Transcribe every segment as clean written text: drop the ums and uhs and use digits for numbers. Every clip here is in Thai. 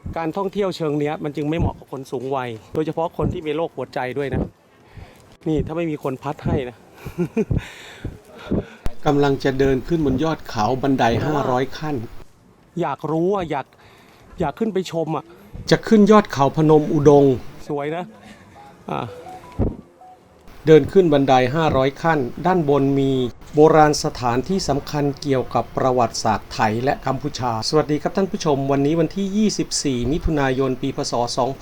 การท่องเที่ยวเชิงเนี้ยมันจึงไม่เหมาะกับคนสูงวัยโดยเฉพาะคนที่มีโรคหัวใจด้วยนะนี่ถ้าไม่มีคนพัดให้นะ กำลังจะเดินขึ้นบนยอดเขาบันได500ขั้นอยากรู้อ่ะอยากขึ้นไปชมอ่ะจะขึ้นยอดเขาพนมอุดงสวยนะเดินขึ้นบันได500ขั้นด้านบนมีโบราณสถานที่สำคัญเกี่ยวกับประวัติศาสตร์ไทยและกัมพูชาสวัสดีครับท่านผู้ชมวันนี้วันที่24มิถุนายนปีพศ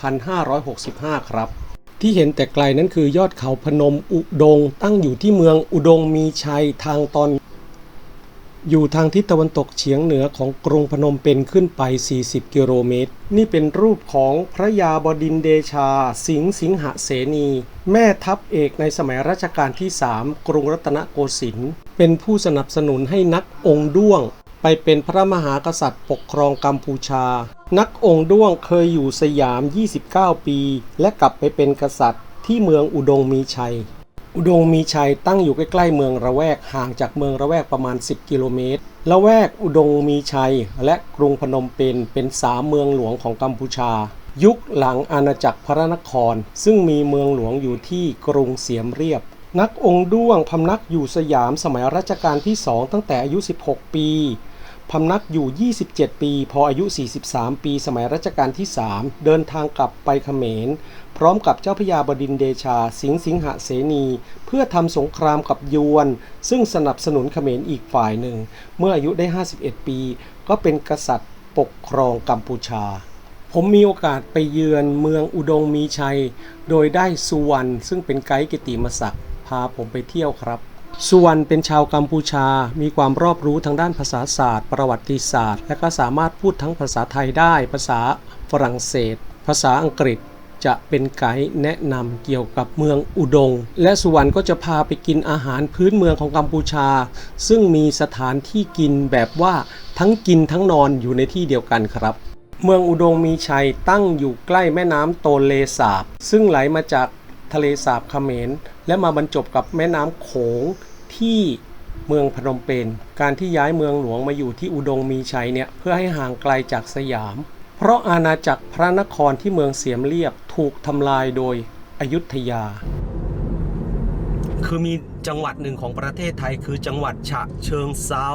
2565ครับที่เห็นแต่ไกลนั้นคือยอดเขาพนมอุดงตั้งอยู่ที่เมืองอุดงมีชัยทางตอนอยู่ทางทิศตะวันตกเฉียงเหนือของกรุงพนมเปญขึ้นไป40กิโลเมตรนี่เป็นรูปของพระยาบดินทร์เดชาสิงหเสนีแม่ทัพเอกในสมัยรัชกาลที่3กรุงรัตนโกสินทร์เป็นผู้สนับสนุนให้นักองค์ด้วงไปเป็นพระมหากษัตริย์ปกครองกัมพูชานักองค์ด้วงเคยอยู่สยาม29ปีและกลับไปเป็นกษัตริย์ที่เมืองอุดงมีชัยอุดงมีชัยตั้งอยู่ใกล้ๆเมืองระแวกห่างจากเมืองระแวกประมาณ10กิโลเมตรละแวกอุดงมีชัยและกรุงพนมเปญเป็น3เมืองหลวงของกัมพูชายุคหลังอาณาจักรพระนครซึ่งมีเมืองหลวงอยู่ที่กรุงเสียมเรียบนักองค์ด้วงพำนักอยู่สยามสมัยรัชกาลที่2ตั้งแต่อายุ16ปีพำนักอยู่27ปีพออายุ43ปีสมัยรัชกาลที่3เดินทางกลับไปเขมรพร้อมกับเจ้าพระยาบดินทร์เดชาสิงหเสนีเพื่อทำสงครามกับยวนซึ่งสนับสนุนเขมรอีกฝ่ายหนึ่งเมื่ออายุได้51ปีก็เป็นกษัตริย์ปกครองกัมพูชาผมมีโอกาสไปเยือนเมืองอุดงมีชัยโดยได้สุวรรณซึ่งเป็นไกด์กิตติมศักดิ์พาผมไปเที่ยวครับสุวรรณเป็นชาวกัมพูชามีความรอบรู้ทางด้านภาษาศาสตร์ประวัติศาสตร์และก็สามารถพูดทั้งภาษาไทยได้ภาษาฝรั่งเศสภาษาอังกฤษจะเป็นไกด์แนะนำเกี่ยวกับเมืองอุดงและสุวรรณก็จะพาไปกินอาหารพื้นเมืองของกัมพูชาซึ่งมีสถานที่กินแบบว่าทั้งกินทั้งนอนอยู่ในที่เดียวกันครับเมืองอุดงมีชัยตั้งอยู่ใกล้แม่น้ำโตเลสาบซึ่งไหลมาจากทะเลสาบเขมรและมาบรรจบกับแม่น้ำโขงที่เมืองพนมเปญการที่ย้ายเมืองหลวงมาอยู่ที่อุดงมีชัยเนี่ยเพื่อให้ห่างไกลจากสยามเพราะอาณาจักรพระนครที่เมืองเสียมเรียบถูกทำลายโดยอยุธยาคือมีจังหวัดหนึ่งของประเทศไทยคือจังหวัดฉะเชิงเทรา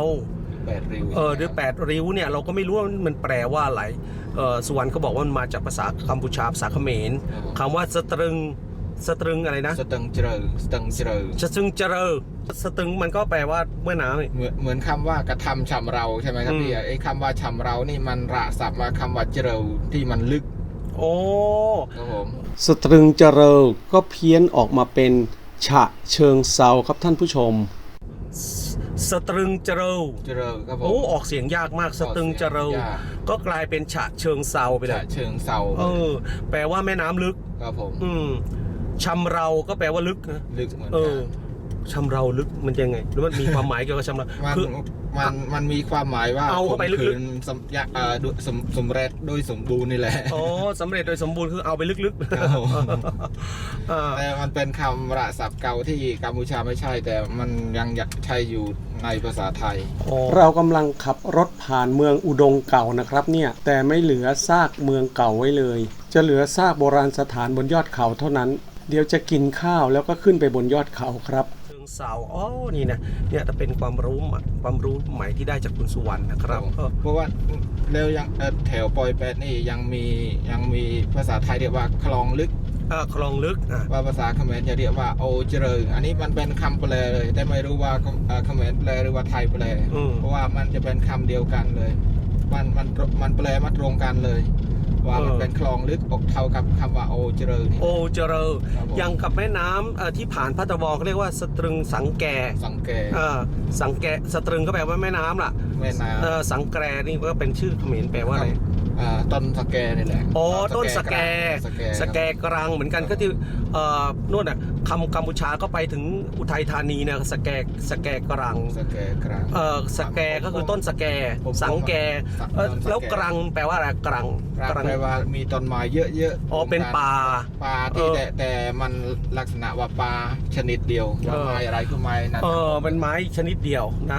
8 ริ้วด้วย8 ริ้วเนี่ยเราก็ไม่รู้ว่ามันแปลว่าอะไรสุวรรณเขาบอกว่ามันมาจากภาษากัมพูชาภาษาเขมรคำว่าสตรึงอะไรนะสตึงเจริญสตึงเจริญสตึงเจริญสตึงมันก็แปลว่าเมื่อน้ำเหมือนคำว่ากระทำชำเราใช่ไหมครับพี่ไอ้คำว่าชำเรานี่มันระศัพท์มาคำว่าเจริญที่มันลึกโอ้ครับผมสตรึงเจริญก็เพี้ยนออกมาเป็นฉะเชิงเซาครับท่านผู้ชมสตรึงเจริญครับผมโอ้ออกเสียงยากมากสตรึงเจริญก็กลายเป็นฉะเชิงเซาไปเลยฉะเชิงเซาแปลว่าแม่น้ำลึกครับผมชำเราก็แปลว่าลึกนะลึกเหมือนกันชำเราลึกมันยังไงหรือมันมีความหมายเกี่ยวกับชำเราคือมันมีความหมายว่าเอาเข้าไปลึกๆสำเร็จโดยสมบูรณ์นี่แหละอ๋อสำเร็จโดยสมบูรณ์คือเอาไปลึกๆแต่มันเป็นคำระศัพท์เก่าที่กัมพูชาไม่ใช่แต่มันยังใช้อยู่ในภาษาไทยเรากำลังขับรถผ่านเมืองอุดงเก่านะครับเนี่ยแต่ไม่เหลือซากเมืองเก่าไว้เลยจะเหลือซากโบราณสถานบนยอดเขาเท่านั้นเดี๋ยวจะกินข้าวแล้วก็ขึ้นไปบนยอดเขาครับเชิงเซาอ๋อนี่นะเนี่ยจะเป็นความรู้ใหม่ที่ได้จากคุณสุวรรณนะครับเพราะว่าแล้วยังแถวปอยแปดนี่ยังมีภาษาไทยเรียกว่าคลองลึกคลองลึกว่าภาษาเขมรจะเรียกว่าโอเจริญอันนี้มันเป็นคำแปลเลยแต่ไม่รู้ว่าเขมรแปลหรือว่าไทยแปลเพราะว่ามันจะเป็นคำเดียวกันเลยมันแปลมาตรงกันเลยว่ามันเป็นคลองลึกอกเท่ากับคำว่าโอเจริญโอเจริญยังกับแม่น้ำที่ผ่านพัทวเขาเรียกว่าสตรึงสังแกสังแกสตรึงก็แปลว่าแม่น้ำล่ะแม่น้ำสังแกนี่ก็เป็นชื่อเขมรแปลว่าอะไรต้นสแกนี่แหละอ๋อต้นสแกกรังเหมือนกันก็ที่นู่นน่ะคำกัมพูชาก็ไปถึงอุทัยธานีเนี่ยสแกกรังสแกก็คือต้นสแกสังแกแล้วกรังแปลว่าอะไรกรังแปลว่ามีต้นไม้เยอะอ๋อเป็นป่าที่แต่มันลักษณะว่าป่าชนิดเดียวว่าไม้อะไรก็ไม้นั่นเป็นไม้ชนิดเดียวนะ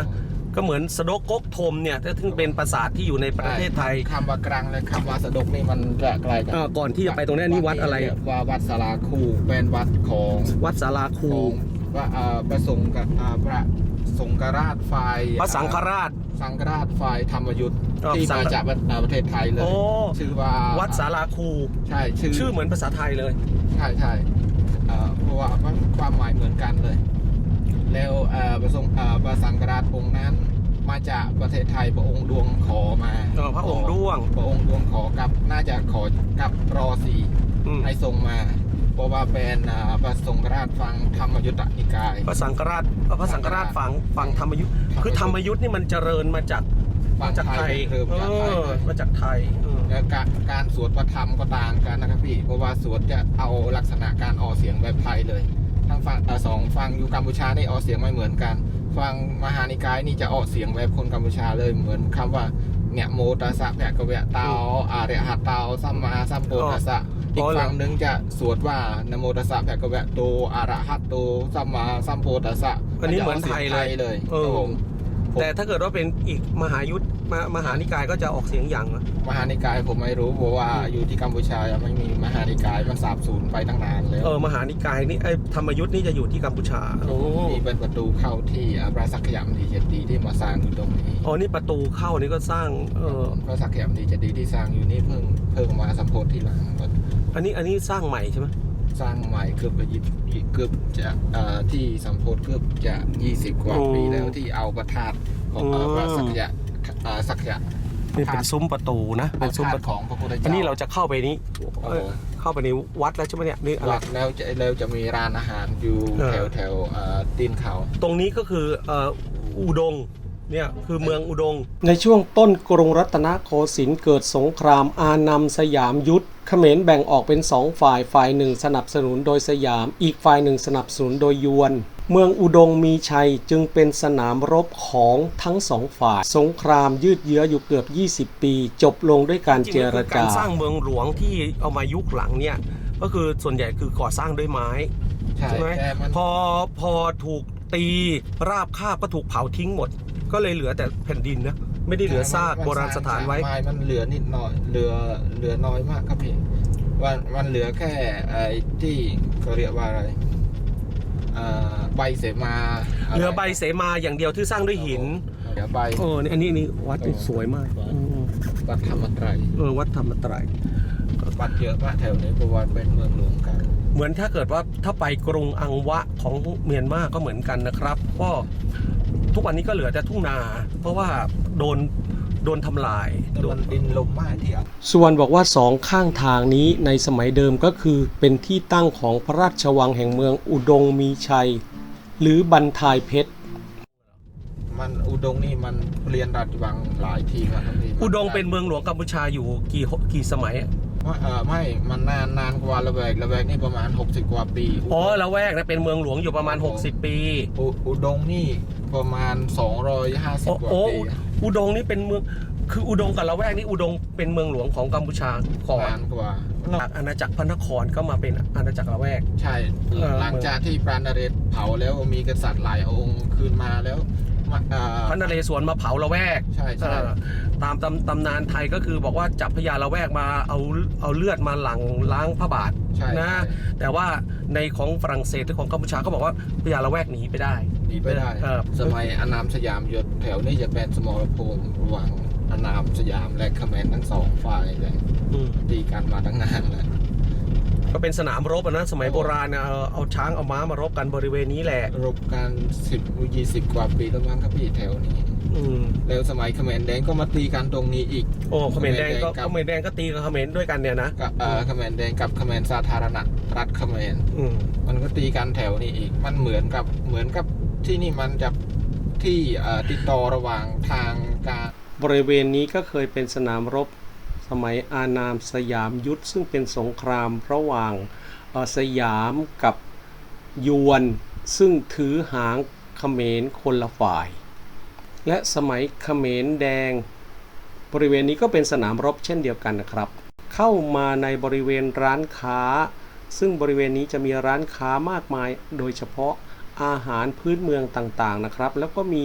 ก็เหมือนสะดกก๊กธมเนี่ยซึ่งเป็นปราสาทที่อยู่ในประเทศไทยคำว่ากลางและคำว่าสะดกนี่มันจะไกลกันก่อนที่จะไปตรงนี้นี่วัดอะไรว่าวัดสาราคูเป็นวัดของวัดสาราคูว่าประสงค์กับพระสงฆราชฝ่ายพระสังฆราชฝ่ายธรรมยุทธ์ที่มาจากประเทศไทยเลยชื่อว่าวัดสาราคูใช่ชื่อเหมือนภาษาไทยเลยใช่เพราะว่าความหมายเหมือนกันเลยแล้วพระสังฆราชองค์นั้นมาจากประเทศไทยพระองค์ดวงขอมาพระองค์ดวงขอกับน่าจะขอกับรอสีให้ส่งมาเพราะว่าเป็นพระสังฆราชฟังธรรมยุทธนิกายพระสังฆราชฟังธรรมยุทธคือธรรมยุทธนี่มันเจริญมาจากไทยมาจากไทยแล้วการสวดพระธรรมก็ต่างกันนะครับพี่เพราะว่าสวดจะเอาลักษณะการออกเสียงแบบไทยเลยทั้งฟังอยู่กัมพูชานี่ออกเสียงไม่เหมือนกันฟังมหานิกายนี่จะออกเสียงแบบคนกัมพูชาเลยเหมือนคำว่าเนี่ยโมตัสสะแปะกะเวะเตาอาเรหะเตาสัมมาสัมพุทธัสสะอีกฝั่งหนึ่งจะสวดว่านโมตัสสะแปะกะเวะโตอาระหะโตสัมมาสัมพุทธัสสะอันนี้เหมือนไทยเลยแต่ถ้าเกิดว่าเป็นอีกมหานิกายก็จะออกเสียงอย่างมหานิกายผมไม่รู้เพราะว่าอยู่ที่กัมพูชาไม่มีมหานิกายมันสาบสูญไปตั้งนานแล้วมหานิกายนี่ธรรมยุทธ์นี่จะอยู่ที่กัมพูชานี่เป็นประตูเข้าที่พระสักขยมดีเจดีย์ที่มาสร้างอยู่ตรงนี้นี่ประตูเข้านี่ก็สร้างพระสักขยมดีเจดีย์ที่สร้างอยู่นี่เพิ่งมาสัมโพธิที่หลังอันนี้สร้างใหม่ใช่ไหมสร้างใหม่เกือบจะที่สัมโพธิเกือบจะ20 กว่าปีแล้วที่เอาประธาตของพระสักขยะนี่เป็นซุ้มประตูนะเป็นซุ้มประตูของพระพุทธเจ้าอันนี้เราจะเข้าไปนี้เข้าไปในวัดแล้วใช่ไหมเนี่ยนี่วัดแล้วจะมีร้านอาหารอยู่แถวตีนเขาตรงนี้ก็คืออุดงเนี่ยคือเมืองอุดงในช่วงต้นกรุงรัตนโกสินทร์เกิดสงครามอานัมสยามยุทธเขมรแบ่งออกเป็น2ฝ่ายหนึ่งสนับสนุนโดยสยามอีกฝ่ายหนึ่งสนับสนุนโดยยวนเมืองอุดงมีชัยจึงเป็นสนามรบของทั้ง2ฝ่ายสงครามยืดเยื้ออยู่เกือบ20 ปีจบลงด้วยการเจรจาการสร้างเมืองหลวงที่เอามายุคหลังเนี่ยก็คือส่วนใหญ่คือก่อสร้างด้วยไม้ใช่ไหมพอถูกตีราบคาบก็ถูกเผาทิ้งหมดก็เลยเหลือแต่แผ่นดินนะไม่ได้เหลือซากโบราณสถานไว้มันเหลือนิดหน่อยเหลือน้อยมากครับพี่มันเหลือแค่ที่เขาเรียกว่าอะไรใบเสมาเหลือใบเสมาอย่างเดียวที่สร้างด้วยหินเหลือใบอันนี้วัดสวยมากวัดธรรมไตรวัดธรรมไตรวัดเยอะมากแถวนี้เพราะว่าเป็นเมืองหลวงกันเหมือนถ้าเกิดว่าถ้าไปกรุงอังวะของเมียนมาก็เหมือนกันนะครับก็ทุกวันนี้ก็เหลือแต่ทุ่งนาเพราะว่าโดนทำลายโดนดินลมมากที่ส่วนบอกว่า2ข้างทางนี้ในสมัยเดิมก็คือเป็นที่ตั้งของพระราชวังแห่งเมืองอุดงมีชัยหรือบันทายเพชรมันอุดงนี่มันเรียนราชวังหลายทีมาทั้งทีอุดงเป็นเมืองหลวงกัมพูชาอยู่กี่สมัยไม่มันนานกว่าละแวกนี่ประมาณ60 กว่าปีละแวกนะเป็นเมืองหลวงอยู่ประมาณ60 ปีอุดงนี่ประมาณ250 กว่าปีอุดงนี่เป็นเมืองคืออุดงกับละแวกนี่อุดงเป็นเมืองหลวงของกัมพูชาก่อนกว่าอาณาจักรพระนครก็มาเป็นอาณาจักรละแวกใช่หลังจากที่ปราณเรศเผาแล้วมีกษัตริย์หลายองค์คืนมาแล้วพระนเรศวรมาเผาละแวกใช่ตามตำนานไทยก็คือบอกว่าจับพญาละแวกมาเอาเลือดมาหลั่งล้างพระบาทนะแต่ว่าในของฝรั่งเศสหรือของกัมพูชาก็บอกว่าพญาละแวกหนีไปได้สมัยอานามสยามยศแถวนี้จะเป็นสมรภูมิระหว่างอานามสยามและเขมรทั้ง2 ฝ่ายเลยตีกันมาตั้งนานแล้วก็เป็นสนามรบนะสมัยโบราณเอาช้างเอาม้ามารบกันบริเวณนี้แหละรบกัน10-20 กว่าปีแล้วมั้งครับพี่แถวนี้แล้วสมัยเขมรแดงก็มาตีกันตรงนี้อีกเขมรแดงก็ตีกับเขมรด้วยกันเนี่ยนะเขมรแดงกับเขมรสาธารณรัฐเขมรมันก็ตีกันแถวนี้อีกมันเหมือนกับที่นี่มันจะที่ติดต่อระหว่างทางการบริเวณนี้ก็เคยเป็นสนามรบสมัยอานามสยามยุทธซึ่งเป็นสงครามระหว่างสยามกับยวนซึ่งถือหางเขมรคนละฝ่ายและสมัยเขมรแดงบริเวณนี้ก็เป็นสนามรบเช่นเดียวกันนะครับเข้ามาในบริเวณร้านค้าซึ่งบริเวณนี้จะมีร้านค้ามากมายโดยเฉพาะอาหารพื้นเมืองต่างๆนะครับแล้วก็มี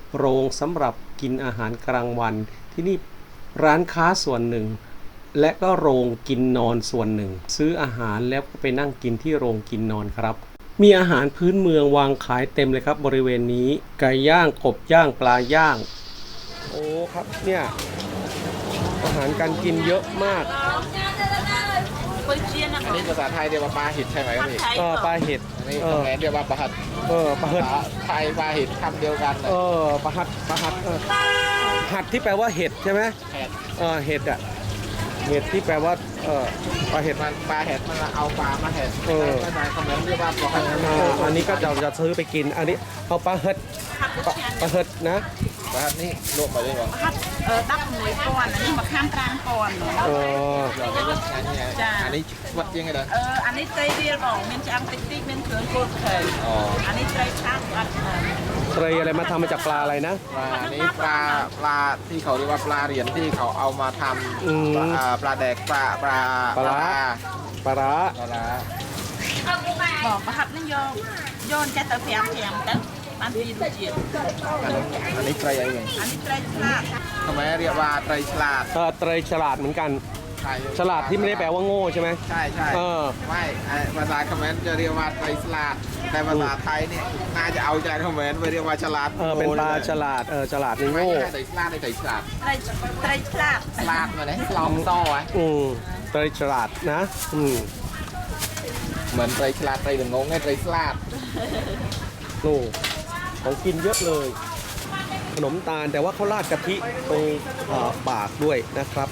โรงสำหรับกินอาหารกลางวันที่นี่ร้านค้าส่วนหนึ่งและก็โรงกินนอนส่วนหนึ่งซื้ออาหารแล้วก็ไปนั่งกินที่โรงกินนอนครับมีอาหารพื้นเมืองวางขายเต็มเลยครับบริเวณนี้ไก่ย่างกบย่างปลาย่างโอ้ครับเนี่ยอาหารการกินเยอะมากอันนี้ภาษาไทยเรียกว่าปลาหิดใช่ไหมครับพี่ปลาเห็ดอันนี้คอมเมนต์เรียกว่าปลาหัดปลาเห็ดไทยปลาหิดคำเดียวกันเลยปลาหัดหัดที่แปลว่าเห็ดใช่ไหมเห็ดเห็ดอ่ะเห็ดที่แปลว่าปลาเห็ดมันเอาปลามาเห็ดภาษาคอมเมนต์เรียกว่าปลาหัดอันนี้ก็จะซื้อไปกินอันนี้เอาปลาเห็ดนะปลาหัดนี่ลวกไปด้วยมั้งดับหน่วยก่อนอันนี้มาข้ามกลางก่อนอันนี้วัดยังไงเด้ออันนี้ไตรเรียลบอกมันจะอังติ๊กมันเถื่อนโคตรเคยอันนี้ไตรช่างอัดไตรอะไรมาทำมาจากปลาอะไรนะอันนี้ปลาที่เขาเรียกว่าปลาเหรียญที่เขาเอามาทำปลาแดกปลาร้าบอกประหับนั่นโยนแค่ตัวแข็งตั้งอันนี้ดูเจียอันนี้ไตรอะไรอันนี้ไตรฉลาดทำไมเรียกว่าไตรฉลาดไตรฉลาดเหมือนกันฉลาดที่ไม่ได้แปลว่าโง่ใช่ไหมใช่ไม่ภาษาคอมเมนต์จะเรียกว่าไตรฉลาดแต่ภาษาไทยเนี่ยน่าจะเอาใจคอมเมนต์ไปเรียกว่าฉลาดเป็นปลาฉลาดฉลาดนี่โง่ไตรฉลาดไตรฉลาดไตรฉลาดฉลาดมาเลยลองโซ่ไว้ไตรฉลาดนะเหมือนไตรฉลาดไตรหรืองงไงไตรฉลาดโอ้ของกินเยอะเลยขนมตาลแต่ว่าเขาราดกะทิตรงปากด้วยนะครับ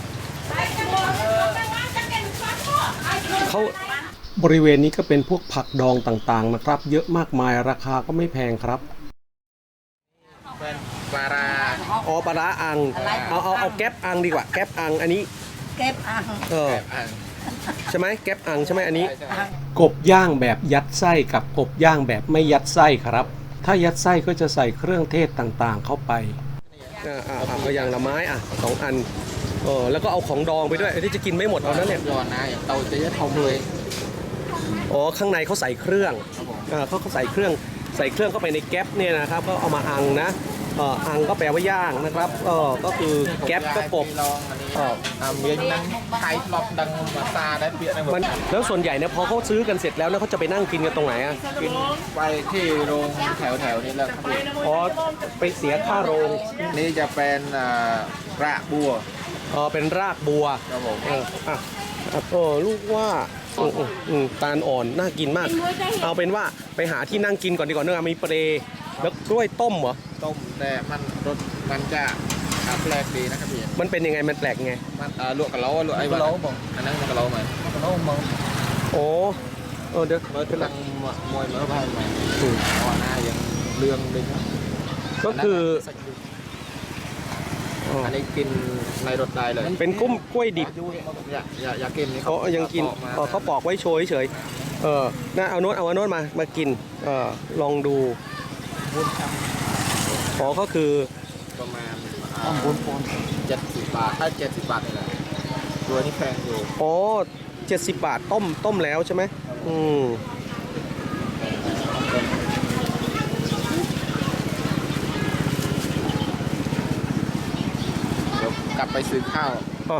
เขาบริเวณนี้ก็เป็นพวกผักดองต่างๆนะครับเยอะมากมายราคาก็ไม่แพงครับเป็นปลาร้าปลาร้าอังเอาแก๊ปอังดีกว่าแก๊ปอังอันนี้แก๊ปอังใช่ไหมแก๊ปอังใช่ไหมอันนี้กบย่างแบบยัดไส้กับกบย่างแบบไม่ยัดไส้ครับถ้ายัดไส้ก็จะใส่เครื่องเทศต่างๆเข้าไปก็อย่างละไม้2 อันแล้วก็เอาของดองไปด้วยที่จะกินไม่หมดเอานั้นเนี่ยร้อนนะอย่างเตาจะยัดทองเลยข้างในเขาใส่เครื่องเขาใส่เครื่องเข้าไปในแก๊ปเนี่ยนะครับก็เอามาอังนะอังก็แปลว่าย่างนะครับก็คือแก๊ปก็กบมีนั่งไทยลอบดังมาซาได้เปียกมันแล้วส่วนใหญ่เนี่ยพอเขาซื้อกันเสร็จแล้วเขาจะไปนั่งกินกันตรงไหนกินไปที่โรงแถวนี้แล้วครับไปเสียค่าโรงนี่จะเป็นรากบัวเป็นรากบัวครับผมลูกว่าตาลอ่อนน่ากินมากเอาเป็นว่าไปหาที่นั่งกินก่อนดีกว่าเนื้อมีเปรย์แล้วกล้วยต้มเหรอต้มแต่มันจะแปลกดีนะครับพี่มันเป็นยังไงมันแปลกไงมันลวกกะเล้าลวกไอ้กะเล้าบอกอันนั้นกะเล้าไหมกะเล้ามองเดี๋ยวเมื่อกำลังมวยเมื่อพายใหม่หน้ายังเรื่องเลยก็คืออันนี้กินในรถได้เลยเป็นกล้วยดิบอยากกินนี่เขายังกินเขาปอกไว้โชยเฉยน่าเอาโน้ตมากินลองดูก็คือประมาณ70 บาทถ้า70 บาทนี่แหละตัวนี้แพงอยู่ 70 บาทต้มแล้วใช่ไหมกลับไปซื้อข้าว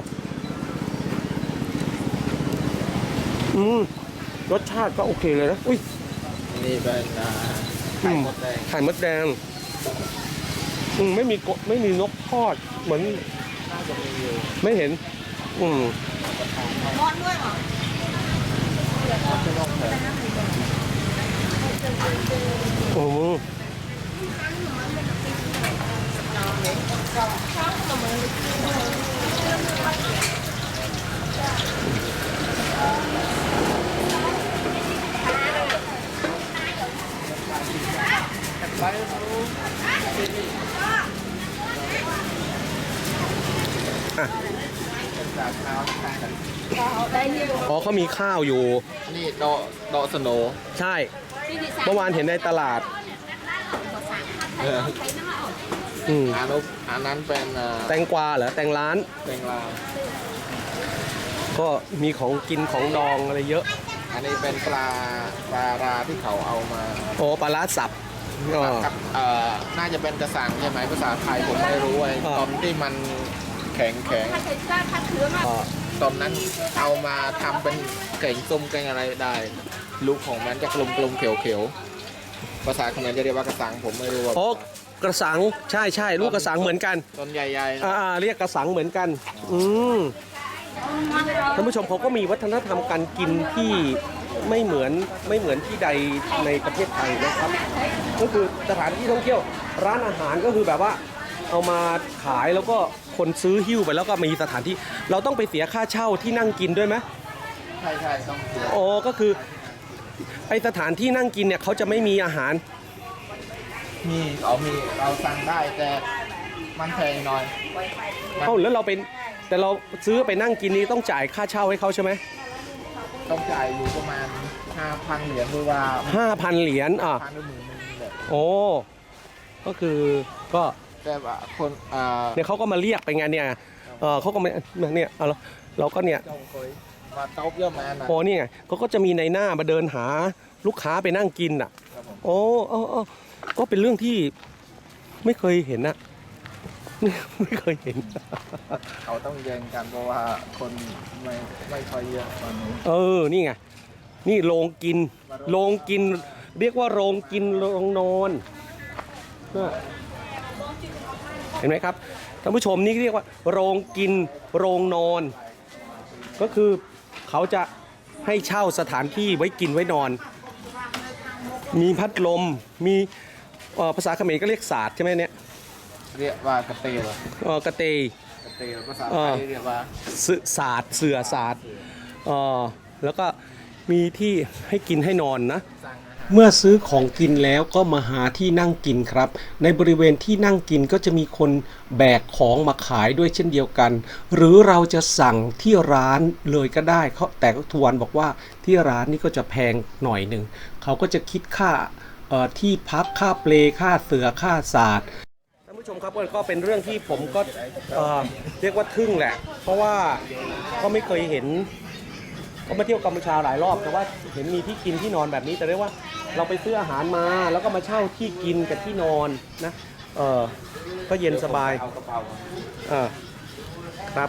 รสชาติก็โอเคเลยนะอุ้ยนี่เป็นไข่มดแดงไม่มีนกทอดเหมือนไม่เห็นร้อนด้วยเหรเขามีข้าวอยู่นี่ดอกสโนใช่เมื่อวานเห็นในตลาดอันนั้นเป็นแตงกวาเหรอแตงร้านก็มีของกินของดองอะไรเยอะอันนี้เป็นปลาราที่เขาเอามาปลาร้าสับกับน่าจะเป็นกระสังใช่ไหมภาษาไทยผมไม่รู้ไอ้ตอนที่มันแข็งตอนนั้นเอามาทำเป็นเก่งส้มเก่งอะไรได้ลูกของมันจะกลมๆเขียวๆภาษาเขมรจะเรียกว่ากระสังผมไม่รู้ว่าโอ้กระสังใช่ลูกกระสังเหมือนกันต้นใหญ่ๆเรียกกระสังเหมือนกันท่านผู้ชมเขาก็มีวัฒนธรรมการกินที่ไม่เหมือนที่ใดในประเทศไทยนะครับก็คือสถานที่ท่องเที่ยวร้านอาหารก็คือแบบว่าเอามาขายแล้วก็คนซื้อหิ้วไปแล้วก็มีสถานที่เราต้องไปเสียค่าเช่าที่นั่งกินด้วยไหมใช่ต้องเสียโอ้ก็คือไอสถานที่นั่งกินเนี่ยเขาจะไม่มีอาหารมีเราสั่งได้แต่มันแพงหน่อยแล้วเราเป็นแต่เราซื้อไปนั่งกินนี้ต้องจ่ายค่าเช่าให้เขาใช่ไหมต้องจ่ายอยู่ประมาณ 5,000 เหรียญหรือว่า 5,000 เหรียญ 1,000 หรือ 10,000 แบบโอ้ก็คือก็แต่ว่าคนเนี่ยเขาก็มาเรียกไปไงเนี่ยเขาก็มาเนี่ยเราก็เนี่ยมาเต้าเยอะมานะโอ้นี่ไงเขาก็จะมีในหน้ามาเดินหาลูกค้าไปนั่งกินอ่ะโอ้ก็เป็นเรื่องที่ไม่เคยเห็นนะไม่เคยเห็นเขาต้องแย่งกันเพราะว่าคนไม่ค่อยเยอะตอนนี้นี่ไงนี่โรงกินเรียกว่าโรงกินโรงนอนเห็นไหมครับท่านผู้ชมนี่เรียกว่าโรงกินโรงนอนก็คือเขาจะให้เช่าสถานที่ไว้กินไว้นอนมีพัดลมมีภาษาเขมรก็เรียกศาสตร์ใช่ไหมเนี่ยเรียกว่ากระเตลกระเตภาษาไทยเรียกว่าศาสตร์เสือศาสตร์แล้วก็มีที่ให้กินให้นอนนะเมื่อซื้อของกินแล้วก็มาหาที่นั่งกินครับในบริเวณที่นั่งกินก็จะมีคนแบกของมาขายด้วยเช่นเดียวกันหรือเราจะสั่งที่ร้านเลยก็ได้แต่ทวนบอกว่าที่ร้านนี่ก็จะแพงหน่อยหนึ่งเขาก็จะคิดค่าที่พักค่าเปลค่าเสือค่าศาสตร์ท่านผู้ชมครับก็เป็นเรื่องที่ผมก็เรียกว่าทึ่งแหละเพราะว่าก็ไม่เคยเห็นก็มาเที่ยวกัมพูชาหลายรอบแต่ว่าเห็นมีที่กินที่นอนแบบนี้แต่เรียกว่าเราไปซื้ออาหารมาแล้วก็มาเช่าที่กินกับที่นอนนะก็เย็นสบายครับ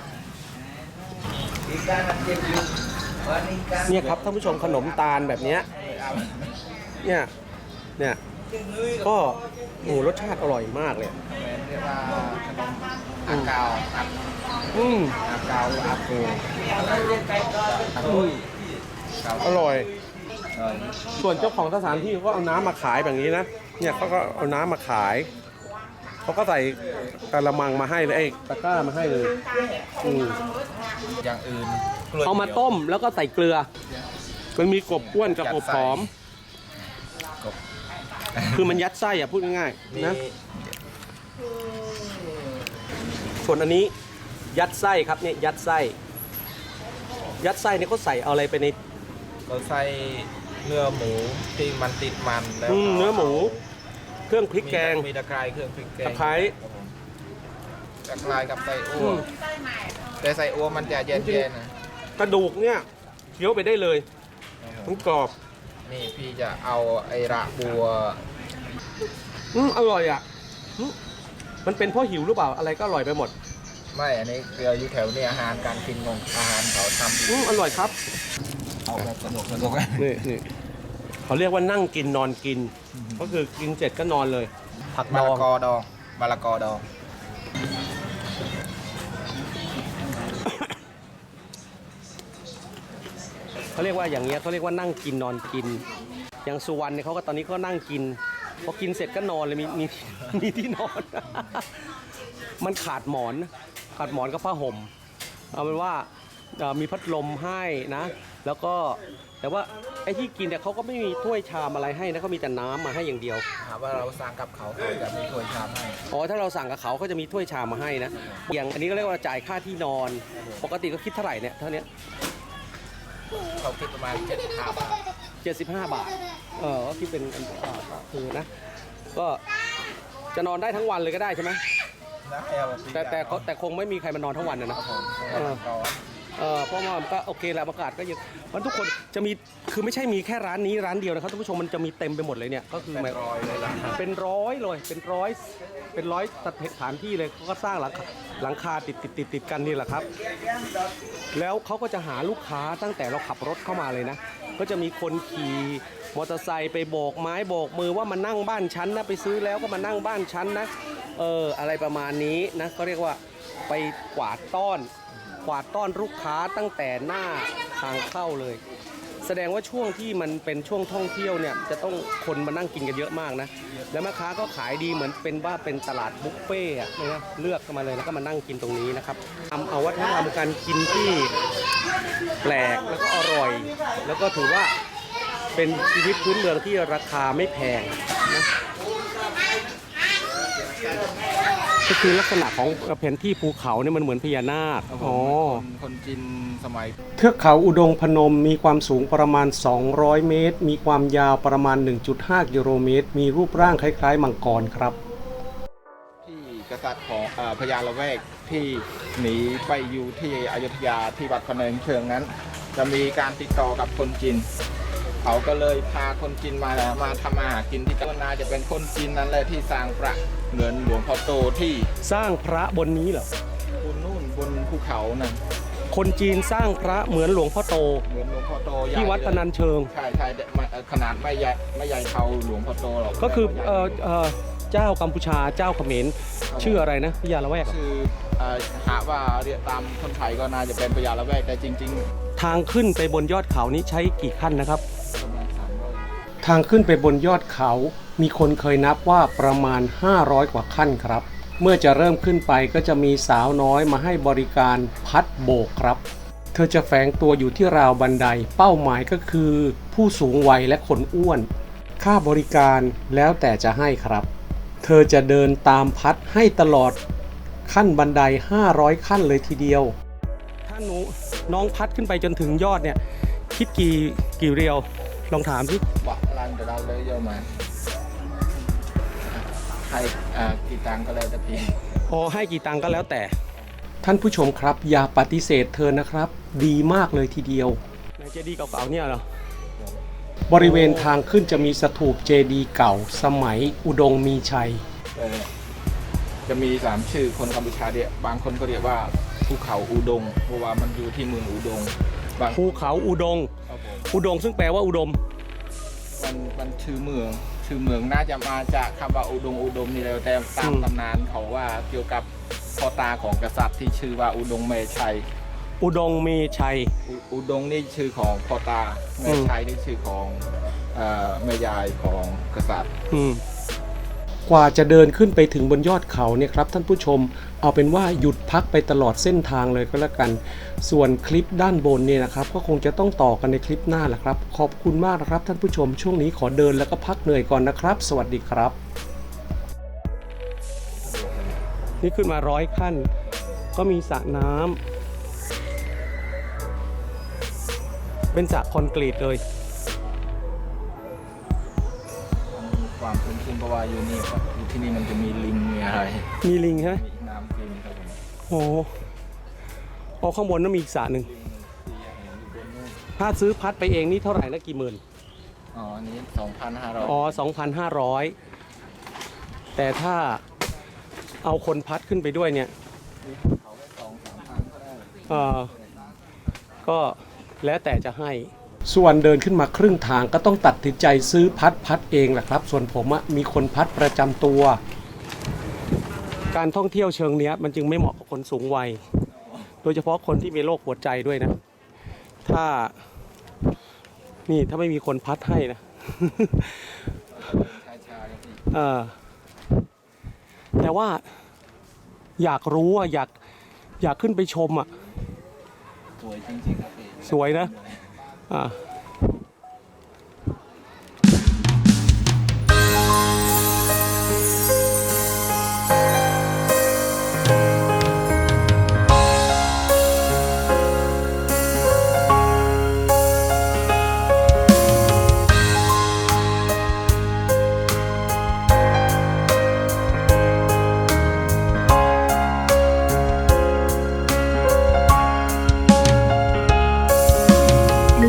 เนี่ยครับท่านผู้ชมขนมตาลแบบนี้เนี่ยก็รสชาติอร่อยมากเลยเรียกว่าขนมอาเกาอาเกาอาโกอร่อยส่วนเจ้าของสถานที่เขาก็เอาน้ำมาขายแบบนี้นะเนี่ยเขาก็เอาน้ำมาขายเขาก็ใส่กระมังมาให้เลยตะกร้ามาให้เลยอย่างอื่นเอามาต้มแล้วก็ใส่เกลือมันมีกบอ้วนกับกบหอมคือมันยัดไส้พูดง่ายๆนะส่วนอันนี้ยัดไส้ครับเนี่ยยัดไส้เนี่ยเขาใส่เอาอะไรไปในเราใส่เนื้อหมูที่มันติดมันแล้วเนื้อหมูเครื่องพริกแกงมีตะไคร้เครื่องพริกแกงตะไคร้กับไส้อั่วแต่ไส้อั่วมันจะเย็นๆนะกระดูกเนี่ยเคี้ยวไปได้เลยมันกรอบนี่พี่จะเอาไอ้ระบัวอร่อยอ่ะมันเป็นเพราะหิวหรือเปล่าอะไรก็อร่อยไปหมดไม่อันนี้เกลืออยู่แถวนี้อาหารการกินของอาหารเขาทำอร่อยครับเอาแบบสนุกนี่เขาเรียกว่านั่งกินนอนกินก็คือกินเสร็จก็นอนเลยผักมะละกอดองเขาเรียกว่าอย่างเงี้ยเขาเรียกว่านั่งกินนอนกินอย่างสุวรรณเนี่ยเขาก็ตอนนี้ก็นั่งกินพอกินเสร็จก็นอนเลยมีที่นอนมันขาดหมอนกับผ้าห่มเอาเป็นว่ามีพัดลมให้นะแล้วก็แต่ว่าไอ้ที่กินเนี่ยเขาก็ไม่มีถ้วยชามอะไรให้นะเขามีแต่น้ำมาให้อย่างเดียวว่าเราสั่งกับเขาจะมีถ้วยชามให้ถ้าเราสั่งกับเขาจะมีถ้วยชามมาให้นะอย่างอันนี้ก็เรียกว่าจ่ายค่าที่นอนปกติก็คิดเท่าไหร่เนี่ยเท่านี้เขาคิดประมาณ75 บาท 75 บาทก็คิดเป็นคือนะก็จะนอนได้ทั้งวันเลยก็ได้ใช่ไหมแต่คงไม่มีใครมานอนทั้งวันนะเพราะว่ามันก็โอเคแหละอากาศก็ยังมันทุกคนจะมีคือไม่ใช่มีแค่ร้านนี้ร้านเดียวนะครับท่านผู้ชมมันจะมีเต็มไปหมดเลยเนี่ยก็คือเป็นร้อยเลยเป็นร้อยเลยเป็นร้อยสถานที่เลยเขาก็สร้างหลังคาติดกันนี่แหละครับแล้วเขาก็จะหาลูกค้าตั้งแต่เราขับรถเข้ามาเลยนะก็จะมีคนขี่มอเตอร์ไซค์ไปโบกไม้โบกมือว่ามานั่งบ้านฉันนะไปซื้อแล้วก็มานั่งบ้านฉันนะอะไรประมาณนี้นะก็เรียกว่าไปกวาดต้อนลูกค้าตั้งแต่หน้าทางเข้าเลยแสดงว่าช่วงที่มันเป็นช่วงท่องเที่ยวเนี่ยจะต้องคนมานั่งกินกันเยอะมากนะแล้วแม่ค้าก็ขายดีเหมือนเป็นตลาดบุฟเฟ่ต์นะเลือกมาเลยแล้วก็มานั่งกินตรงนี้นะครับเอาวัฒนธรรมการกินที่แปลกแล้วก็อร่อยแล้วก็ถือว่าเป็นชีวิตพื้นเมืองที่ราคาไม่แพงนะก็คือลักษณะของแผนที่ภูเขาเนี่ยมันเหมือนพญานาคคนจีนสมัยเทือกเขาอุดงพนมมีความสูงประมาณ200เมตรมีความยาวประมาณ 1.5 กิโลเมตรมีรูปร่างคล้ายๆมังกรครับที่กษัตริย์ของพญาละแวกที่หนีไปอยู่ที่อยุธยาที่วัดพะเนินเชิงนั้นจะมีการติดต่อกับคนจีนเขาก็เลยพาคนจีนมาทำอาหารกินที่จังหวัดนาจะเป็นคนจีนนั่นแหละที่สร้างพระเหมือนหลวงพ่อโตที่สร้างพระบนนี้เหรอบนนู่นบนภูเขานั่นคนจีนสร้างพระเหมือนหลวงพ่อโตที่วัดพนัญเชิงใช่ขนาดไม่ใหญ่เท่าหลวงพ่อโตหรอกก็คือเจ้ากัมพูชาเจ้าเขมรชื่ออะไรนะพญาละแวกชื่อหาว่าเรียกตามคนไทยก็น่าจะเป็นพญาละแวกแต่จริงๆทางขึ้นไปบนยอดเขานี้ใช้กี่ขั้นนะครับทางขึ้นไปบนยอดเขามีคนเคยนับว่าประมาณ500กว่าขั้นครับเมื่อจะเริ่มขึ้นไปก็จะมีสาวน้อยมาให้บริการพัดโบกครับเธอจะแฝงตัวอยู่ที่ราวบันไดเป้าหมายก็คือผู้สูงวัยและคนอ้วนค่าบริการแล้วแต่จะให้ครับเธอจะเดินตามพัดให้ตลอดขั้นบันได500ขั้นเลยทีเดียวถ้าน้องพัดขึ้นไปจนถึงยอดเนี่ยคิดกี่เรียวลองถามสิว่ารันเดี๋ยวเราเลยเยอะมาให้กี่ตังก็แล้วแต่พี่ให้กี่ตังก็แล้วแต่ท่านผู้ชมครับอย่าปฏิเสธเธอนะครับดีมากเลยทีเดียวในเจดีย์เก่าๆเนี่ยเหรอบริเวณทางขึ้นจะมีสถูปเจดีย์เก่าสมัยอุดงมีชัยจะมี3ชื่อคนกัมพูชาเนี่ยบางคนก็เรียกว่าภูเขาอุดงเพราะว่ามันอยู่ที่เมืองอุดงภูเขาอุดงซึ่งแปลว่าอุดมมันชื่อเมืองน่าจะมาจากคำว่าอุดมนี่แล้วแต่ตามตำนานเขาว่าเกี่ยวกับพ่อตาของกษัตริย์ที่ชื่อว่าอุดงเมชัยอุดงมีชัยอุดงนี่ชื่อของพ่อตาเมชัยนี่ชื่อของแม่ยายของกษัตริย์กว่าจะเดินขึ้นไปถึงบนยอดเขาเนี่ยครับท่านผู้ชมเอาเป็นว่าหยุดพักไปตลอดเส้นทางเลยก็แล้วกันส่วนคลิปด้านบนเนี่ยนะครับก็คงจะต้องต่อกันในคลิปหน้าแหละครับขอบคุณมากนะครับท่านผู้ชมช่วงนี้ขอเดินแล้วก็พักเหนื่อยก่อนนะครับสวัสดีครับนี่ขึ้นมา100ขั้นก็มีสระน้ำเป็นสระคอนกรีตเลยความคุ้นชินเพราะว่าอยู่นี่ครับอยู่ที่นี่มันจะมีลิงมีอะไรมีลิงใช่ไหมมีน้ำลิงครับผมข้างบนนั้นมีอีกสระหนึ่งถ้าซื้อพัดไปเองนี่เท่าไหร่นะกี่หมื่นอันนี้ 2,500 2,500แต่ถ้าเอาคนพัดขึ้นไปด้วยเนี่ยก็แล้วแต่จะให้ส่วนเดินขึ้นมาครึ่งทางก็ต้องตัดสินใจซื้อพัดเองแหละครับส่วนผมมีคนพัดประจำตัวการท่องเที่ยวเชิงนี้มันจึงไม่เหมาะกับคนสูงวัยโดยเฉพาะคนที่มีโรคหัวใจด้วยนะถ้าไม่มีคนพัดให้นะแต่ว่าอยากรู้อยากขึ้นไปชมสวยจริงๆครับสวยนะ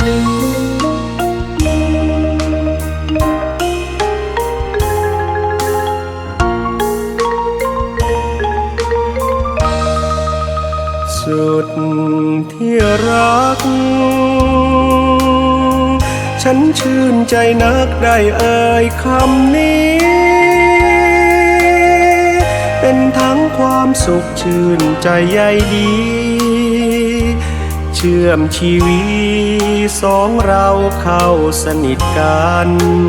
สุดที่รักฉันชื่นใจนักได้เอ่ยคำนี้เป็นทั้งความสุขชื่นใจใยดีเชื่อมชีวิตสองเราเข้าสนิทกัน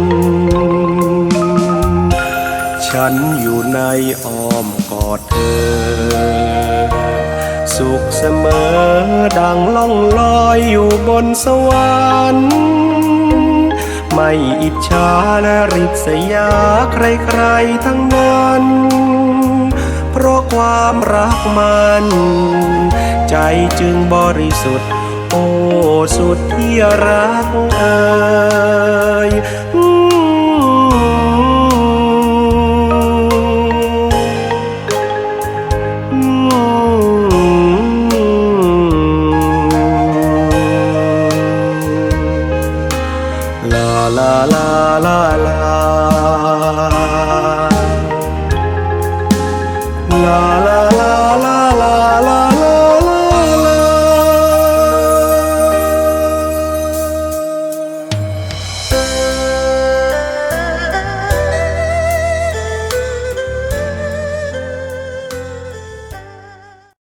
ฉันอยู่ในอ้อมกอดเธอสุขเสมอดังล่องลอยอยู่บนสวรรค์ไม่อิจฉาและริษยาใครๆทั้งนั้นเพราะความรักมันใจจึงบริสุทธิ์โอ้สุดที่รักเอ่ยลาลาลาลาลา